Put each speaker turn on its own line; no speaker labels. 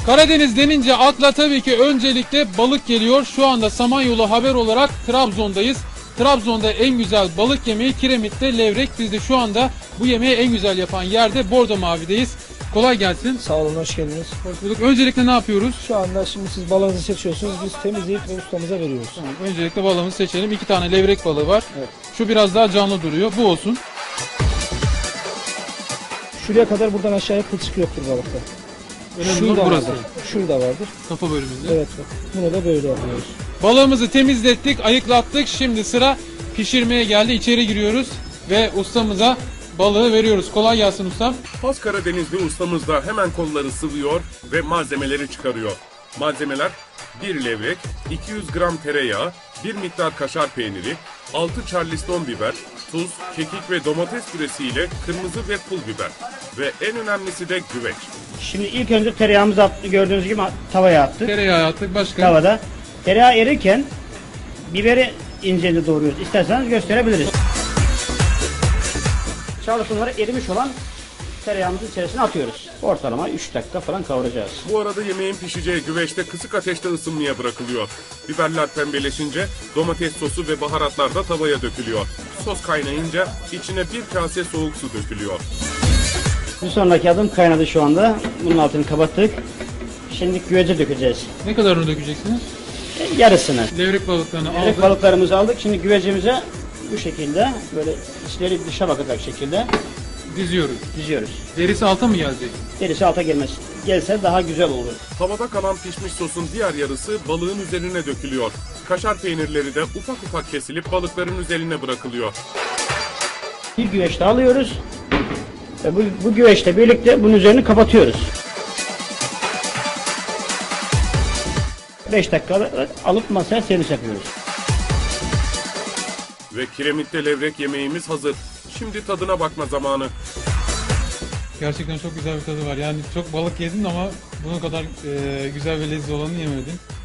Karadeniz denince akla tabii ki öncelikle balık geliyor. Şu anda Samanyolu Haber olarak Trabzon'dayız. Trabzon'da en güzel balık yemeği Kiremit'te levrek. Biz de şu anda bu yemeği en güzel yapan yerde Bordo Mavi'deyiz. Kolay gelsin.
Sağ olun, hoş geldiniz.
Hoş bulduk. Öncelikle ne yapıyoruz?
Şu anda şimdi siz balığınızı seçiyorsunuz, biz temizleyip ve ustamıza veriyoruz.
Tamam, öncelikle balığımızı seçelim. 2 tane levrek balığı var.
Evet.
Şu biraz daha canlı duruyor. Bu olsun.
Şuraya kadar buradan aşağıya kılçık yoktur balıkta.
Önemli
Şurada
olan burası.
vardır. Şurada vardır.
Kafa bölümünde.
Evet, bak. Bunu da böyle yapıyoruz.
Balığımızı temizlettik, ayıklattık. Şimdi sıra pişirmeye geldi. İçeri giriyoruz ve ustamıza balığı veriyoruz. Kolay gelsin ustam.
Has Karadenizli ustamız da hemen kolları sıvıyor ve malzemeleri çıkarıyor. Malzemeler 1 levrek, 200 gram tereyağı, 1 miktar kaşar peyniri, 6 charleston biber, tuz, kekik ve domates püresiyle kırmızı ve pul biber ve en önemlisi de güveç.
Şimdi ilk önce tereyağımızı attık, gördüğünüz gibi tavaya attık.
Tereyağı attık. Başka?
Tavada. Tereyağı erirken biberi ince doğruyoruz. İsterseniz gösterebiliriz. Charlestonları erimiş olan tereyağımızın içerisine atıyoruz. Ortalama 3 dakika falan kavuracağız.
Bu arada yemeğin pişeceği güveçte kısık ateşte ısınmaya bırakılıyor. Biberler pembeleşince domates sosu ve baharatlar da tavaya dökülüyor. Sos kaynayınca içine bir kase soğuk su dökülüyor.
Bir sonraki adım kaynadı şu anda. Bunun altını kapattık. Şimdi güvece dökeceğiz.
Ne kadarını dökeceksiniz?
Yarısını.
Levrek balıklarını
Levrek
aldık.
balıklarımızı aldık. Şimdi güvecimize bu şekilde böyle içleri dışa bakacak şekilde
Diziyoruz.
diziyoruz.
Derisi alta mı gelecek?
Derisi alta gelmez. Gelse daha güzel olur.
Tavada kalan pişmiş sosun diğer yarısı balığın üzerine dökülüyor. Kaşar peynirleri de ufak ufak kesilip balıkların üzerine bırakılıyor.
Bir güveç daha alıyoruz. Ve bu güveçle birlikte bunun üzerini kapatıyoruz. 5 dakika alıp masaya servis yapıyoruz.
Ve Kiremit'te levrek yemeğimiz hazır. Şimdi tadına bakma zamanı.
Gerçekten çok güzel bir tadı var. Yani çok balık yedim ama bunun kadar güzel ve lezzetli olanı yemedim.